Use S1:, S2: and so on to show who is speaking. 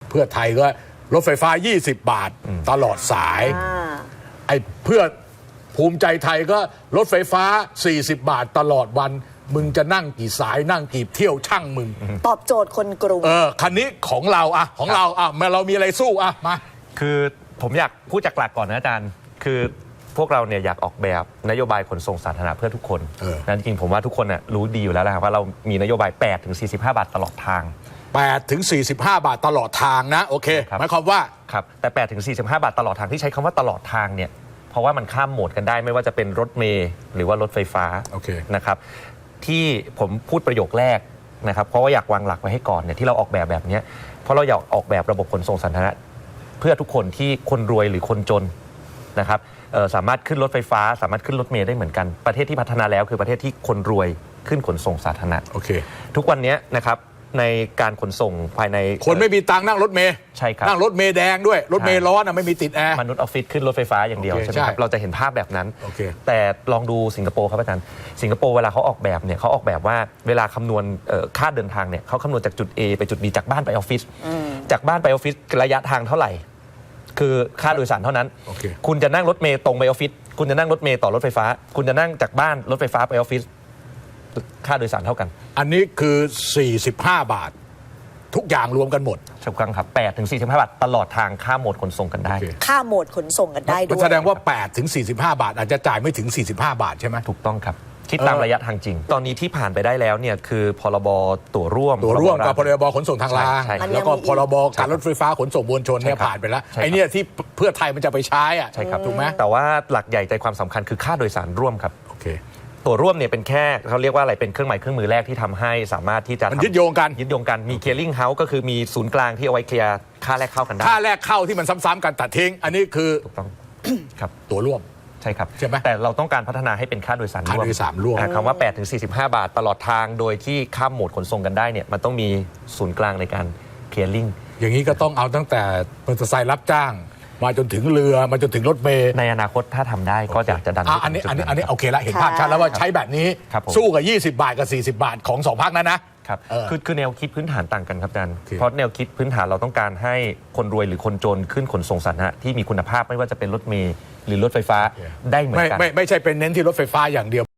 S1: เพื่อไทยก็รถไฟฟ้า20 บาทตลอดสายไอ้เพื่อภูมิใจไทยก็รถไฟฟ้า40 บาทตลอดวันมึงจะนั่งกี่สายนั่งกี่เที่ยวช่างมึง
S2: ตอบโจทย์คนกรุง
S1: คันนี้ของเราของเราเรามีอะไรสู้มา
S3: คือผมอยากพูดจากหลักก่อนนะอาจารย์คือพวกเราเนี่ยอยากออกแบบนโยบายขนส่งสาธารณะเพื่อทุกคนนั่นจริงผมว่าทุกคนรู้ดีอยู่แล้วนะครับว่าเรามีนโยบาย8 ถึง 45 บาทตลอดทาง
S1: 8 ถึง 45 บาทตลอดทางนะโอเคหมายความว่า
S3: ครับแต่8 ถึง 45 บาทตลอดทางที่ใช้คำว่าตลอดทางเนี่ยเพราะว่ามันข้ามโหมดกันได้ไม่ว่าจะเป็นรถเมล์หรือว่ารถไฟฟ้านะครับที่ผมพูดประโยคแรกนะครับเพราะว่าอยากวางหลักไว้ให้ก่อนเนี่ยที่เราออกแบบนี้เพราะเราอยากออกแบบระบบขนส่งสาธารณะเพื่อทุกคนที่คนรวยหรือคนจนนะครับสามารถขึ้นรถไฟฟ้าสามารถขึ้นรถเมล์ได้เหมือนกันประเทศที่พัฒนาแล้วคือประเทศที่คนรวยขึ้นขนส่งสาธารณะทุกวันนี้นะครับในการขนส่งภายใน
S1: คนไม่มีตังค์นั่งรถเมล์
S3: ใช่ครับ
S1: นั่งรถเมล์แดงด้วยรถเมล์ร้อนไม่มีติดแอร์
S3: มนุษย์ออฟฟิศขึ้นรถไฟฟ้าอย่างเดียวใช่ไหมครับเราจะเห็นภาพแบบนั้นแต่ลองดูสิงคโปร์ครับอาจารย์สิงคโปร์เวลาเขาออกแบบเนี่ยเขาออกแบบว่าเวลาคำนวณค่าเดินทางเนี่ยเขาคำนวณจากจุด A ไปจุด B จากบ้านไปออฟฟิศจากบ้านไปออฟฟิศระยะทางเท่าไหร่คือค่าโดยสารเท่านั้นคุณจะนั่งรถเมล์ตรงไปออฟฟิศคุณจะนั่งรถเมล์ต่อรถไฟฟ้าคุณจะนั่งจากบ้านรถไฟฟ้าไปออฟฟิศค่าโดยสารเท่ากัน
S1: อันนี้คือ45 บาททุกอย่างรวมกันหมด
S3: ถูกต้องครับ8 ถึง 45 บาทตลอดทางข้ามโหมดขนส่งกันได้
S2: ข้ามโหมดขนส่งกันได้ด้วย
S1: แสดงว่า8 ถึง 45 บาทอาจจะจ่ายไม่ถึง45 บาทใช่ไหม
S3: ถูกต้องครับคิดตามระยะทางจริงตอนนี้ที่ผ่านไปได้แล้วเนี่ยคือพรบตั๋วร่วม
S1: กับพรบขนส่งทางรางแล้วก็พรบการรถไฟฟ้าขนส่งมวลชนเนี่ยผ่านไปแล้วไอ้นี่ที่เพื่อไทยมันจะไปใช้
S3: ใช่ครับ
S1: ถูกไหม
S3: แต่ว่าหลักใหญ่ใจความสำคัญคือค่าโดยสารร่วมครับตั๋วร่วมเนี่ยเป็นแค่เขาเรียกว่าอะไรเป็นเครื่องหมายเครื่องมือแรกที่ทำให้สามารถที่จะ
S1: ยึดโยง
S3: กันมีเคลียร์ลิงเฮาส์ก็คือมีศูนย์กลางที่เอาไว้เคลียร์ค่าแรกเข้ากันได้
S1: ค่าแรกเข้าที่มันซ้ำๆกันตัดทิ้งอันนี้คือ
S3: ถูกต้องครับ
S1: ตั๋วร่วม
S3: ใช่ครับ
S1: ใช่ไหม
S3: แต่เราต้องการพัฒนาให้เป็นค่าโดยสารร่วมคำว่า8 ถึง 45 บาทตลอดทางโดยที่ข้ามโหมดขนส่งกันได้เนี่ยมันต้องมีศูนย์กลางในการเคลียร์ลิง
S1: อย่างนี้ก็ต้องเอาตั้งแต่มอเตอร์ไซค์รับจ้างมาจนถึงเรือมาจนถึงรถเมล์
S3: ในอนาคตถ้าทำได้ก็อยากจะดัน
S1: อันนี้โอเคละเห็นภาพชัดแล้วว่าใช้แบบนี้สู้กับ20 บาทกับ40 บาทของ2 พรรคนั้นนะครับ
S3: คือแนวคิดพื้นฐานต่างกันครับอาจารย์เพราะแนวคิดพื้นฐานเราต้องการให้คนรวยหรือคนจนขึ้นขนส่งสาธารณะที่มีคุณภาพไม่ว่าจะเป็นรถเมล์หรือรถไฟฟ้าได้เหมือนกัน
S1: ไม่ใช่เป็นเน้นที่รถไฟฟ้าอย่างเดียว